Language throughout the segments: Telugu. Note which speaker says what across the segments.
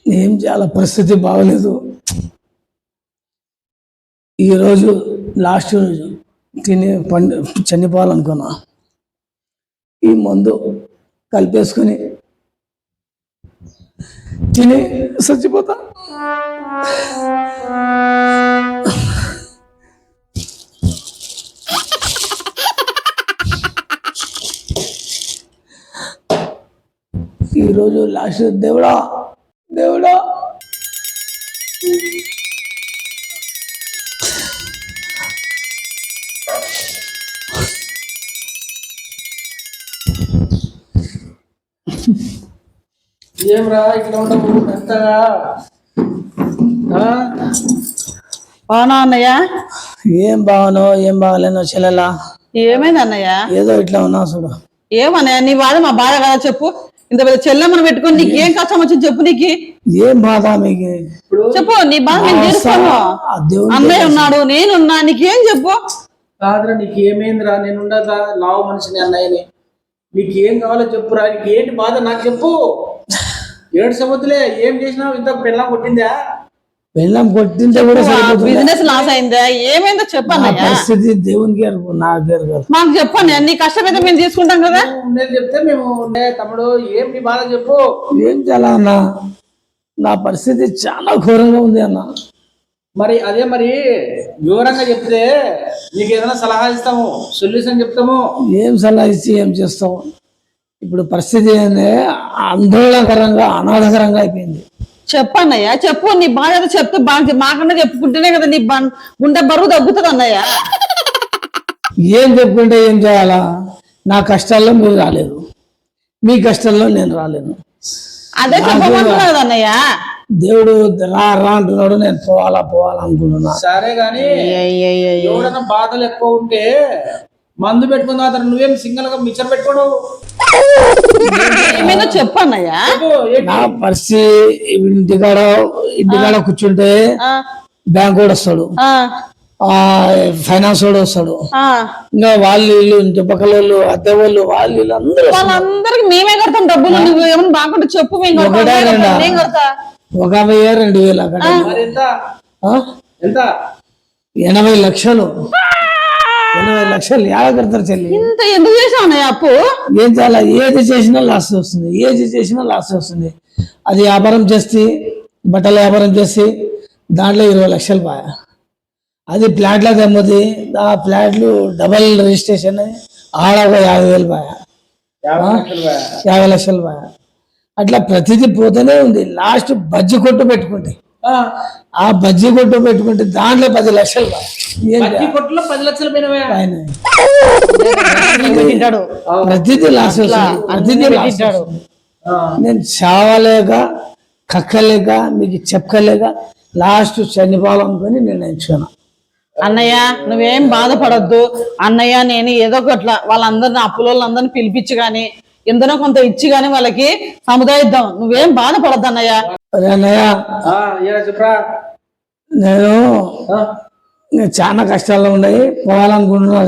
Speaker 1: ఏం చాలా పరిస్థితి బాగలేదు. ఈరోజు లాస్ట్ రోజు తిని చనిపోవాలనుకున్నా. ఈ మందు కలిపేసుకొని తిని చచ్చిపోతా. ఈరోజు లాస్ట్. దేవుడా దేవుడా
Speaker 2: ఏమ్రా ఇక్కడ ఉండవు ఎంతగా
Speaker 3: అవునా అన్నయ్య?
Speaker 1: ఏం బాగానో ఏం బాగాలేనో చెల్లెలా.
Speaker 3: ఏమైంది అన్నయ్య?
Speaker 1: ఏదో ఇట్లా ఉన్నా చూడు.
Speaker 3: ఏమన్నయ్య నీ బాధ మా బాధ కదా చెప్పు. ఇంత పెద్ద చెల్లెమ్మను పెట్టుకొని నీకు ఏం కష్టం వచ్చింది చెప్పు. నీకు
Speaker 1: ఏం బాధ మీకు?
Speaker 3: చెప్పు నీ బాధ నేను తీరుస్తాను. అన్నయ్య ఉన్నాడు, నేనున్నా, నీకేం చెప్పు.
Speaker 2: కాదురా నీకు ఏమైందిరా? నేను ఉండదా లావు మనిషిని అన్నయ్యని. నీకు ఏం కావాలో చెప్పురా. నీకు ఏంటి బాధ నాకు చెప్పు. 7 సంవత్సరాలే ఏం చేసినావు? ఇంత పెళ్ళం కొట్టిందా?
Speaker 1: పెళ్ళం కొట్టింటే కూడా
Speaker 3: బిజినెస్ లాస్ అయిందా? ఏమైందో చెప్పన్నయ్య.
Speaker 1: పరిస్థితి దేవునికి ఎరుకు, నా పేరు కాదు.
Speaker 3: మాకు చెప్పండి, నీ కష్టమైతే మేము తీసుకుంటాం కదా.
Speaker 2: నేను చెప్తే మేము తమ్ముడు ఏం నీ బాధ చెప్పు.
Speaker 1: ఏం చాలా అన్న, నా పరిస్థితి చాలా ఘోరంగా ఉంది అన్న.
Speaker 2: మరి అదే మరి వివరంగా చెప్తే నీకు ఏదైనా సలహా ఇస్తాము, సొల్యూషన్ చెప్తాము.
Speaker 1: ఏం సలహా ఇచ్చి ఏం చేస్తాము? ఇప్పుడు పరిస్థితి ఏంటంటే ఆందోళనకరంగా అనాథకరంగా అయిపోయింది.
Speaker 3: చెప్పన్నయ్య చెప్పు. నీ బాధ ఏదో చెప్తే బాగా మాకన్నా చెప్పుకుంటేనే కదా నీ గుండె బరువు తగ్గుతుంది అన్నయ్య.
Speaker 1: ఏం చెప్పుకుంటే ఏం చేయాలా? నా కష్టాల్లో మీరు రాలేదు, మీ కష్టాల్లో నేను రాలేను.
Speaker 3: అదే చెప్పమంటున్నా కదా అన్నయ్య.
Speaker 1: దేవుడు రా రా అంటున్నాడు, నేను పోవాలా అనుకుంటున్నా.
Speaker 2: సరే గాని ఎవడన్నా బాధలు ఎక్కువ ఉంటే మందు పెట్టుకున్న తర్వాత నువ్వేం సింగల్ గా మిక్చర్ పెట్టుకోడు.
Speaker 3: ఏమైనా చెప్పన్నయ్య.
Speaker 1: నా పరిస్థితి ఇంటికాడ కూర్చుంటే బ్యాంక్ కూడా వస్తాడు, ఫైనాన్స్ వాడు వస్తాడు, ఇంకా వాళ్ళు వీళ్ళు ఇంటి పక్కల వాళ్ళు, అద్దె వాళ్ళు, వాళ్ళు
Speaker 3: వాళ్ళందరికి మేమే కడతాం డబ్బులు. నువ్వు ఏమన్నా బాగుంటే చెప్పు.
Speaker 1: ఒక 10,000 2,000 అక్కడ 80 లక్షలు. 80 లక్షలు ఎలా కడతారు చెల్లి?
Speaker 3: ఇంత ఎందుకు చేసావు అప్పు?
Speaker 1: ఏం చాలా ఏది చేసినా లాస్ వస్తుంది, ఏది చేసినా లాస్ వస్తుంది. అది వ్యాపారం చేస్తే, బట్టల వ్యాపారం చేసి దాంట్లో 20 లక్షలు పాయ. అది ఫ్లాట్లో తెమ్మది, ఆ ఫ్లాట్లు డబల్ రిజిస్ట్రేషన్ ఆడ ఒక 50,000 పాయ, 50 లక్షలు పాయ. అట్లా ప్రతిదీ పోతూనే ఉంది. లాస్ట్ బజ్జి కొట్టు పెట్టుకుంటే, ఆ బజ్జి కొట్టు పెట్టుకుంటే దాంట్లో 10 లక్షలు పాయ.
Speaker 2: కొట్టులో 10 లక్షలు
Speaker 1: ప్రతిదీ లాస్ వస్తుంది, ప్రతిదీ లాస్. నేను చావలేక కక్కలేక మీకు చెప్పలేక లాస్ట్ చనిపోవాలనుకొని నిర్ణయించుకున్నా.
Speaker 3: అన్నయ్య నువ్వేం బాధపడద్దు అన్నయ్య. నేను ఏదో ఒకట్లా వాళ్ళందరిని అప్పులందరిని పిలిపించి గాని ఎందరో కొంత ఇచ్చి గాని వాళ్ళకి సముదాయిద్దాం. నువ్వేం బాధపడద్దు అన్నయ్య.
Speaker 1: అన్నయ్య నేను చాలా కష్టాల్లో ఉన్నాయి, పోవాలనుకుంటున్నా.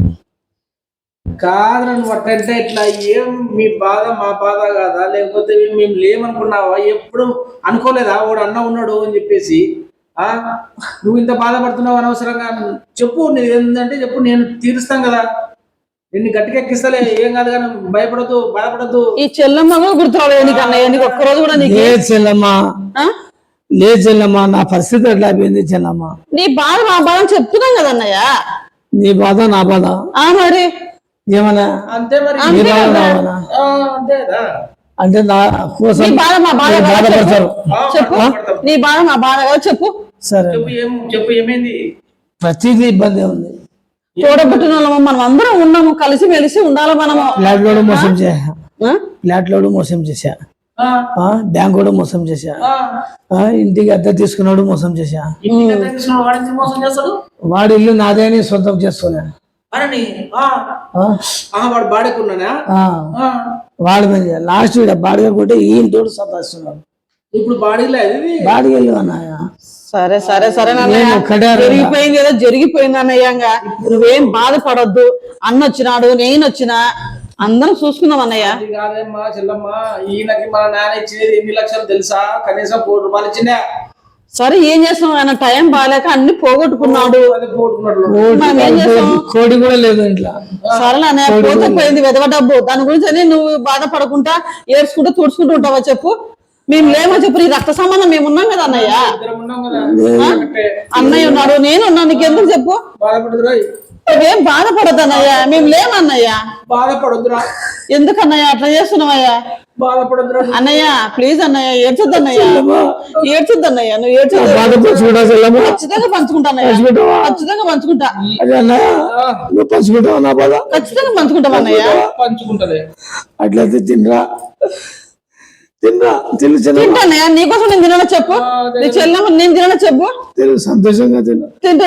Speaker 2: కాదు నువ్వు అట్టంటే ఇట్లా ఏం మీ బాధ మా బాధ కాదా? లేకపోతే మేము లేమనుకున్నావా? ఎప్పుడు అనుకోలేదా వాడు అన్న ఉన్నాడు అని చెప్పేసి? నువ్వు ఇంత బాధపడుతున్నావు అనవసరంగా. చెప్పు నీది ఏంటంటే చెప్పు, నేను తీరుస్తాం కదా. నిన్ను గట్టిగా ఎక్కిస్తలే, ఏం కాదు కానీ భయపడద్దు, బాధపడద్దు.
Speaker 3: ఈ చెల్లమ్మ గుర్తురాలేదు నీకు అన్నయ్య? నీకు ఒక్కరోజు కూడా
Speaker 1: లేదు చెల్లమ్మ, నా పరిస్థితి ఎట్లా అయిపోయింది చెల్లమ్మ.
Speaker 3: నీ బాధ మా బాధ చెప్తున్నాం కదా అన్నయ్య.
Speaker 1: నీ బాధ నా బాధ
Speaker 3: మరి
Speaker 1: ఏమన్నా
Speaker 2: అంతే మరి.
Speaker 1: అంటే నా కోసం
Speaker 3: బాధపడతారు. చెప్పు నీ బాధ మా బాధ కదా చెప్పు.
Speaker 1: సరే
Speaker 2: చెప్పు ఏమైంది?
Speaker 1: ప్రతిదీ ఇబ్బంది ఉంది.
Speaker 3: తోడబుట్టిన వాళ్ళము, మనం అందరం ఉన్నాము, కలిసి మెలిసి ఉండాలి. మనము
Speaker 1: ఫ్లాట్ లోడు మోసం చేశా, బ్యాంక్ కూడా మోసం చేశా, ఇంటికి అద్దె తీసుకున్నాడు మోసం చేశా. వాడి ఇల్లు నాదే అని సొంతం చేసుకున్నా. వాడి మీద లాస్ట్ బాడిగ కొట్టి ఈ ఇంటోడు సంపాదిస్తున్నాడు.
Speaker 2: ఇప్పుడు
Speaker 1: బాడిగ అన్నాయ.
Speaker 3: సరే సరే సరే జరిగిపోయింది ఏదో జరిగిపోయింది అన్నయ్యంగా. నువ్వేం బాధపడొద్దు. అన్న వచ్చినాడు, నేను వచ్చినా, అందరం చూసుకున్నాం అన్నయ్య.
Speaker 2: అది కాదమ్మా చెల్లమ్మ, ఈయనకి మన నాన్న ఇచ్చేది ఎన్ని లక్షలు తెలుసా? కనీసం 1 కోటి రూపాయలు ఇచ్చిందా?
Speaker 3: సరే ఏం చేస్తాం, ఆయన టైం బాగాలేక అన్ని పోగొట్టుకున్నాడు.
Speaker 2: అది పోగొట్టుకున్నాడు.
Speaker 3: మనం ఏం చేస్తాం?
Speaker 1: కోడి కూడా లేదు ఇంట్లో.
Speaker 3: సరేలే అన్నయ్య, పోతే పోయింది వెదవ డబ్బు. దాని గురించి అని నువ్వు బాధపడకుండా ఏడ్చుకుంటూ తుడుచుకుంటూ ఉంటావా చెప్పు? మేము లేమో చెప్పు, నీ రక్త సంబంధం మేము ఉన్నాం కదా అన్నయ్య.
Speaker 2: ఇద్దరం ఉన్నాం కదా.
Speaker 3: అన్నయ్య ఉన్నాడు, నేను ఉన్నాను, నీకెందుకు చెప్పు?
Speaker 2: బాధపడదురా,
Speaker 3: నువ్వేం బాధపడద్దు అన్నయ్య, మేము లేమన్నయ్య.
Speaker 2: బాధపడొద్దురా,
Speaker 3: ఎందుకు అన్నయ్య అట్లా చేస్తున్నావయ్యా?
Speaker 2: బాధపడొద్దురా.
Speaker 3: అన్నయ్య ప్లీజ్ అన్నయ్య, ఏడ్చొద్దు అన్నయ్య, ఏడ్చొద్దు అన్నయ్య, నువ్వు ఏడ్చొద్దు. ఖచ్చితంగా పంచుకుంటా అన్నయ్య, ఖచ్చితంగా పంచుకుంటా.
Speaker 1: అదే అన్నయ్య, నువ్వు పంచుకుంటావు నా బాధ?
Speaker 3: ఖచ్చితంగా పంచుకుంటాం అన్నయ్య.
Speaker 2: పంచుకుంటది.
Speaker 1: అట్లయితే తినరా, తినరా, తిను
Speaker 3: తింటా అన్నయ్య, నీకోసం నేను తినడా చెప్పు? నీ చెల్లెమ్మ నేను తినడా చెప్పు?
Speaker 1: తిను, సంతోషంగా తిను.
Speaker 3: తింటా.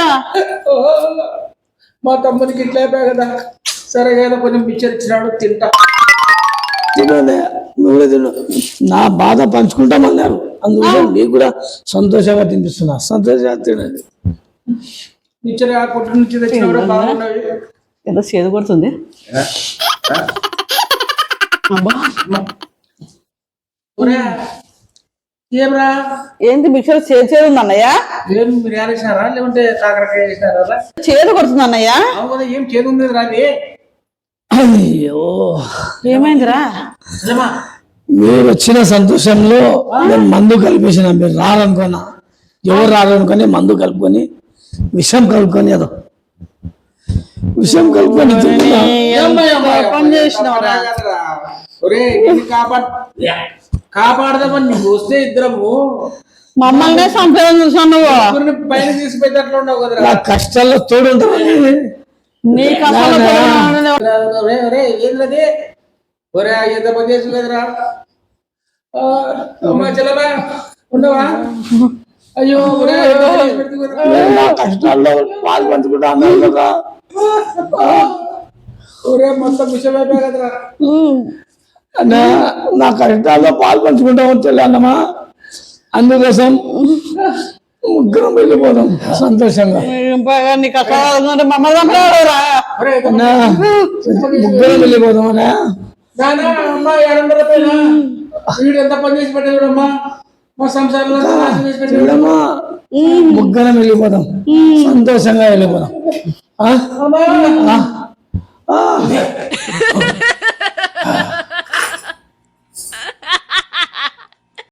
Speaker 2: మా తమ్మునికి ఇట్లా అయిపోయా కదా, సరే కదా కొంచెం పిక్చర్ ఇచ్చినాడు, తింటా.
Speaker 1: తిను అన్నయ్య, నువ్వే తిను. నా బాధ పంచుకుంటామన్నారు, అందువల్ల నీకు కూడా సంతోషంగా తినిపిస్తున్నా. సంతోషంగా తినండి.
Speaker 2: పిక్చర్ ఆ కొట్టు నుంచి తెచ్చిన కూడా బాగున్నవి.
Speaker 3: ఎంత చేదు కొడుతుంది. అబ్బా,
Speaker 2: ఒరే, ఏమ్రా,
Speaker 3: ఏంటి మిక్సర్ చేదు చేదు ఉంది అన్నయ్య?
Speaker 2: ఏం బిర్యానీ వేసినారా లేకుంటే కాకరకాయ వేసినారా?
Speaker 3: చేదు కొడుతుంది అన్నయ్య.
Speaker 2: అవును కదా, ఏం చేదు ఉంది రాది.
Speaker 1: అయ్యో,
Speaker 3: ఏమైందిరా?
Speaker 2: నిజమా?
Speaker 1: మీరు వచ్చిన సంతోషంలో నేను మందు కలిపేసిన. మీరు రారనుకున్నా, ఎవరు రారనుకొని మందు కలుపుకొని విషం కలుపుకొని, ఏదో విషం కలుపుకొని తింటున్నా.
Speaker 3: పని చేసినవరా?
Speaker 2: ఒరే, నిన్ను కాపాడదామని నీకు వస్తే ఇద్దరము
Speaker 3: మమ్మల్ని సంపేదం చూసావు నువ్వు.
Speaker 2: ముగ్గురిని పైన తీసిపోయేటట్లు ఉండవు కదరా.
Speaker 1: నా కష్టాల్లో తోడుంటామని
Speaker 3: నీ కష్టాలు
Speaker 2: ఏంటది? ఒరే, ఎంత పని చేసి కదరా. అమ్మా చెల్లెమా ఉండవా? అయ్యో ఒరే,
Speaker 1: నా కష్టాల్లో పాలు పంచుకుంటా అన్నారు కదా.
Speaker 2: ఒరే, మొత్తం విషయం అయిపోయా కదరా.
Speaker 1: అన్నా, నా కష్టాల్లో పాలు పంచుకుంటామని తెలియన్నమా, అందుకోసం ముగ్గురం వెళ్ళిపోదాం సంతోషంగా.
Speaker 3: నీ కష్టాలు మమ్మల్ని చంపాడురా.
Speaker 1: అన్నా, ముగ్గురం వెళ్ళిపోదాం అన్నా.
Speaker 2: నానా, అమ్మా 700 రూపాయలు వీడు ఎంత పని చేసి పెట్టాడు అమ్మా, మా సంసారంలో నాశనం చేసి పెట్టాడు.
Speaker 1: చూడమ్మా, ముగ్గురం వెళ్ళిపోదాం, సంతోషంగా వెళ్ళిపోదాం.
Speaker 2: అమ్మా